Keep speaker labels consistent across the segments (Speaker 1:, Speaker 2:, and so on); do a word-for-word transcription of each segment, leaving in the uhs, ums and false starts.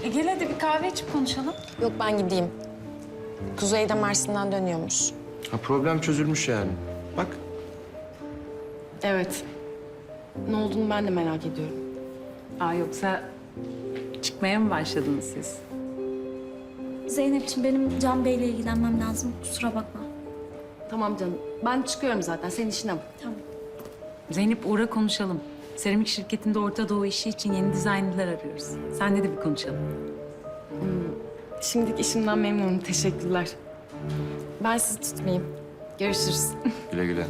Speaker 1: E gel hadi bir kahve içip konuşalım.
Speaker 2: Yok ben gideyim. Kuzey de Mersin'den dönüyormuş.
Speaker 3: Ha, problem çözülmüş yani. Bak.
Speaker 2: Evet. Ne olduğunu ben de merak ediyorum.
Speaker 1: Aa yoksa çıkmaya mı başladınız siz?
Speaker 4: Zeynep'ciğim benim Can Bey'le ilgilenmem lazım. Kusura bakma.
Speaker 2: Tamam canım. Ben çıkıyorum zaten. Senin işine bak.
Speaker 4: Tamam.
Speaker 1: Zeynep uğra konuşalım. Seramik şirketinde Orta Doğu işi için yeni dizaynlar arıyoruz. Senle de bir konuşalım.
Speaker 2: Şimdilik işimden memnunum. Teşekkürler. Ben sizi tutmayayım. Görüşürüz.
Speaker 3: Güle güle.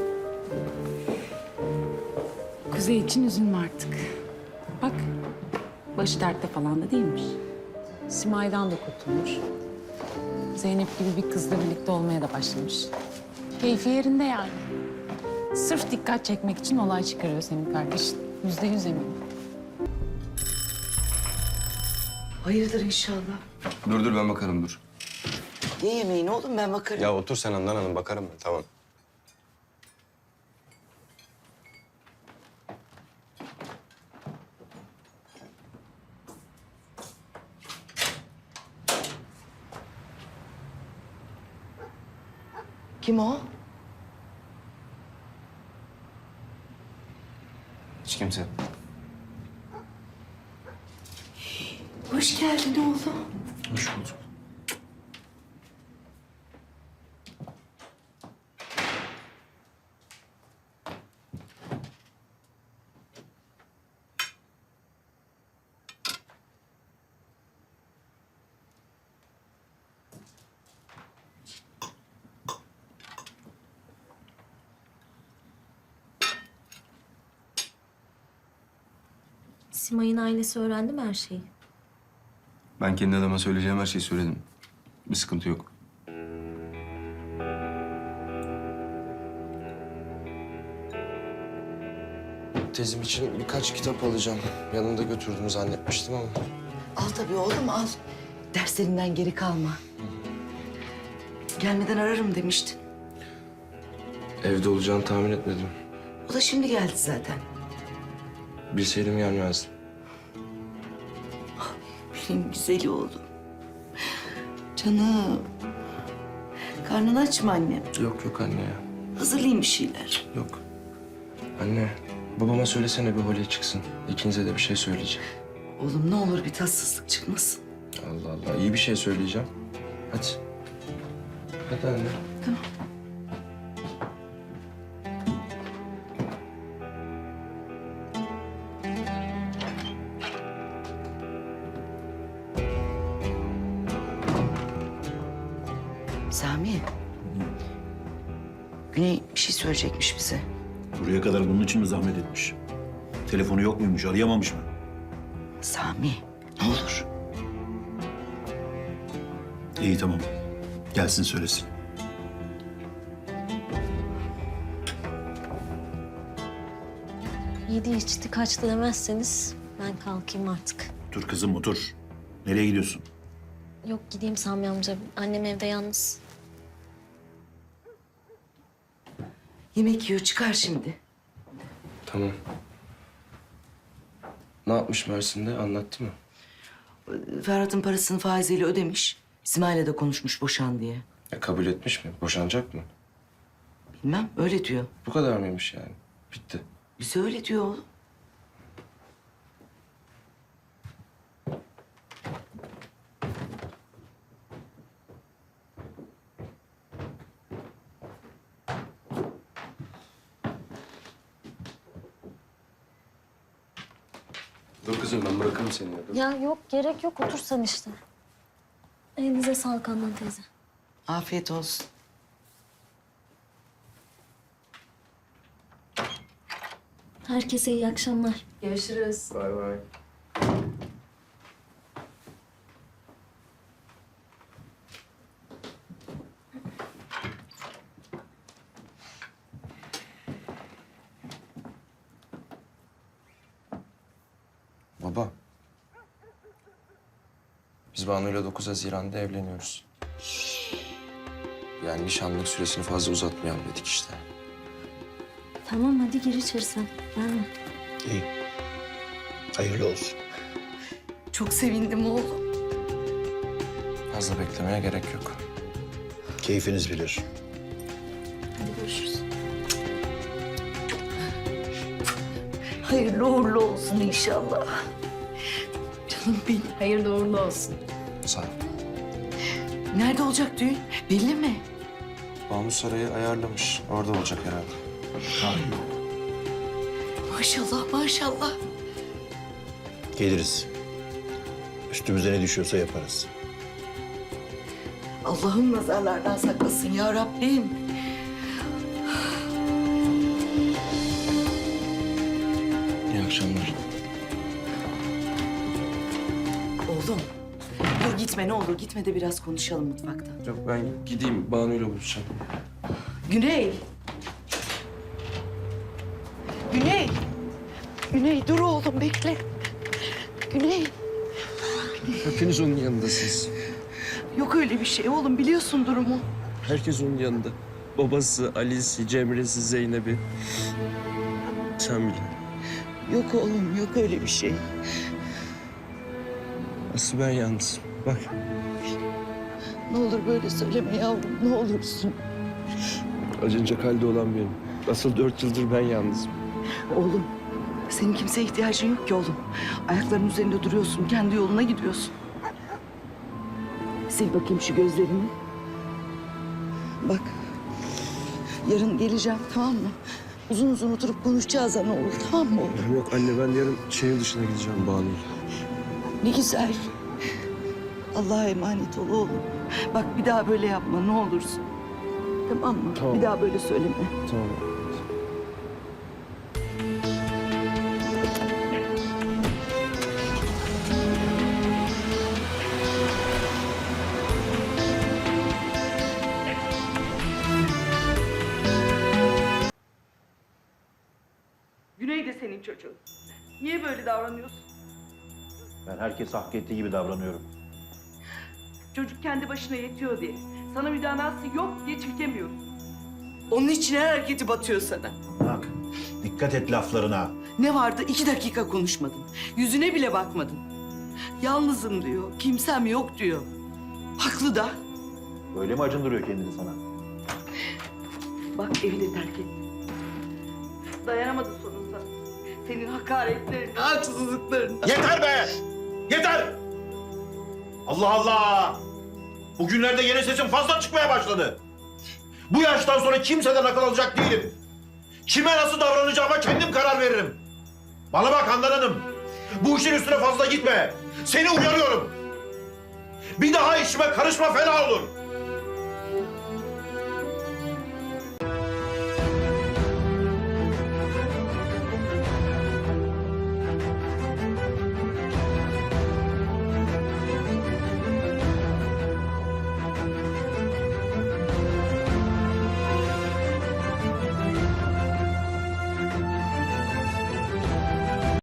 Speaker 1: Kuzey için üzülme artık. Bak, başı dertte falan da değilmiş. Simay'dan da kurtulmuş. Zeynep gibi bir kızla birlikte olmaya da başlamış. Keyfi yerinde yani. Sırf dikkat çekmek için olay çıkarıyor senin kardeşin. Yüzde yüz eminim.
Speaker 5: Hayırdır inşallah.
Speaker 3: Dur dur ben bakarım dur.
Speaker 5: Ye yemeğini oğlum, ben bakarım.
Speaker 3: Ya otur sen Handan Hanım, bakarım ben, tamam.
Speaker 5: Kim o?
Speaker 3: Hiç kimse.
Speaker 5: Hoş geldin oğlum.
Speaker 3: Hoş bulduk.
Speaker 4: Simay'ın ailesi öğrendi mi her şeyi?
Speaker 3: Ben kendi adama söyleyeceğim her şeyi söyledim. Bir sıkıntı yok. Tezim için birkaç kitap alacağım. Yanında götürdüğünü zannetmiştim ama.
Speaker 5: Al tabii oğlum, al. Derslerinden geri kalma. Gelmeden ararım demiştin.
Speaker 3: Evde olacağını tahmin etmedim.
Speaker 5: O da şimdi geldi zaten.
Speaker 3: Bilseydim gelmezdim.
Speaker 5: Benim güzeli oğlum. Canım. Karnın aç mı annem?
Speaker 3: Yok yok anne ya.
Speaker 5: Hazırlayayım bir şeyler.
Speaker 3: Yok. Anne, babama söylesene bir holeye çıksın. İkinize de bir şey söyleyeceğim.
Speaker 5: Oğlum ne olur bir tatsızlık çıkmasın.
Speaker 3: Allah Allah, iyi bir şey söyleyeceğim. Hadi. Hadi anne.
Speaker 5: Tamam. Sami. Güney bir şey söyleyecekmiş bize.
Speaker 6: Buraya kadar bunun için mi zahmet etmiş? Telefonu yok muymuş, arayamamış mı?
Speaker 5: Sami, ne olur.
Speaker 6: İyi tamam. Gelsin söylesin.
Speaker 4: Yedi içti kaçtı demezseniz ben kalkayım artık.
Speaker 6: Dur kızım otur. Nereye gidiyorsun?
Speaker 4: Yok gideyim Sami amca. Annem evde yalnız.
Speaker 5: Yemek yiyor, çıkar şimdi.
Speaker 3: Tamam. Ne yapmış Mersin'de, anlattı mı?
Speaker 5: Ferhat'ın parasını faiziyle ödemiş. İsmail'le de konuşmuş boşan diye.
Speaker 3: Ya kabul etmiş mi? Boşanacak mı?
Speaker 5: Bilmem, öyle diyor.
Speaker 3: Bu kadar mıymış yani? Bitti.
Speaker 5: Bize öyle diyor oğlum.
Speaker 3: Dur kızım, ben bırakırım seni. Dur.
Speaker 4: Ya yok gerek yok otur sen işte. Elinize sağlık Handan teyze.
Speaker 5: Afiyet olsun.
Speaker 4: Herkese iyi akşamlar.
Speaker 2: Görüşürüz.
Speaker 3: Bay bay. Baba. Biz Banu'yla dokuz Haziran'da evleniyoruz. Yani nişanlık süresini fazla uzatmayalım dedik işte.
Speaker 4: Tamam hadi gir içeri sen. Gelme.
Speaker 6: İyi. Hayırlı olsun.
Speaker 5: Çok sevindim oğlum.
Speaker 3: Fazla beklemeye gerek yok.
Speaker 6: Keyfiniz bilir.
Speaker 5: Hadi görüşürüz. Hayırlı uğurlu olsun inşallah. Canım benim.
Speaker 2: Hayırlı uğurlu olsun.
Speaker 3: Sağ ol.
Speaker 5: Nerede olacak düğün? Belli mi?
Speaker 3: Banu Saray'ı ayarlamış. Orada olacak herhalde.
Speaker 5: Maşallah maşallah.
Speaker 6: Geliriz. Üstümüze ne düşüyorsa yaparız.
Speaker 5: Allah'ım nazarlardan saklasın ya Rabbim.
Speaker 3: İyi akşamlar.
Speaker 5: Oğlum dur gitme ne olur gitme de biraz konuşalım mutfakta.
Speaker 3: Yok ben gideyim Banu'yla buluşacağım.
Speaker 5: Güney. Güney. Güney dur oğlum bekle. Güney.
Speaker 3: Hepiniz onun yanındasınız.
Speaker 5: Yok öyle bir şey oğlum biliyorsun durumu.
Speaker 3: Herkes onun yanında. Babası, Ali'si, Cemre'si, Zeynep'i. Sen bile.
Speaker 5: Yok oğlum yok öyle bir şey.
Speaker 3: Asıl ben yalnızım. Bak.
Speaker 5: Ne olur böyle söyleme yavrum ne olursun.
Speaker 3: Acınacak halde olan benim. Asıl dört yıldır ben yalnızım.
Speaker 5: Oğlum senin kimseye ihtiyacın yok ki oğlum. Ayaklarının üzerinde duruyorsun kendi yoluna gidiyorsun. Sil bakayım şu gözlerini. Bak yarın geleceğim tamam mı? Uzun uzun oturup konuşacağız ana oğul tamam mı oğlum?
Speaker 3: Yok anne ben yarın şehir dışına gideceğim Banu'yla.
Speaker 5: Ne güzel. Allah'a emanet ol oğlum. Bak bir daha böyle yapma ne olursun. Tamam mı?
Speaker 3: Tamam.
Speaker 5: Bir daha böyle söyleme.
Speaker 3: Tamam.
Speaker 7: Güney de senin çocuğun. Niye böyle davranıyorsun?
Speaker 6: Ben herkes hak ettiği gibi davranıyorum.
Speaker 7: Çocuk kendi başına yetiyor diye. Sana müdanası yok diye çekemiyorum.
Speaker 5: Onun için her hareketi batıyor sana.
Speaker 6: Bak, dikkat et laflarına.
Speaker 5: Ne vardı iki dakika konuşmadın. Yüzüne bile bakmadın. Yalnızım diyor. Kimsem yok diyor. Haklı da.
Speaker 6: Böyle mi acındırıyor kendini sana?
Speaker 7: Bak evi de terk etti. Dayanamadı sonunda. Senin hakaretlerine, haksızlıklarına.
Speaker 6: Yeter be! Yeter! Allah Allah! Bugünlerde yeni sesim fazla çıkmaya başladı. Bu yaştan sonra kimseden akıl alacak değilim. Kime nasıl davranacağıma kendim karar veririm. Bana bak Handan Hanım. Bu işin üstüne fazla gitme. Seni uyarıyorum. Bir daha işime karışma fena olur.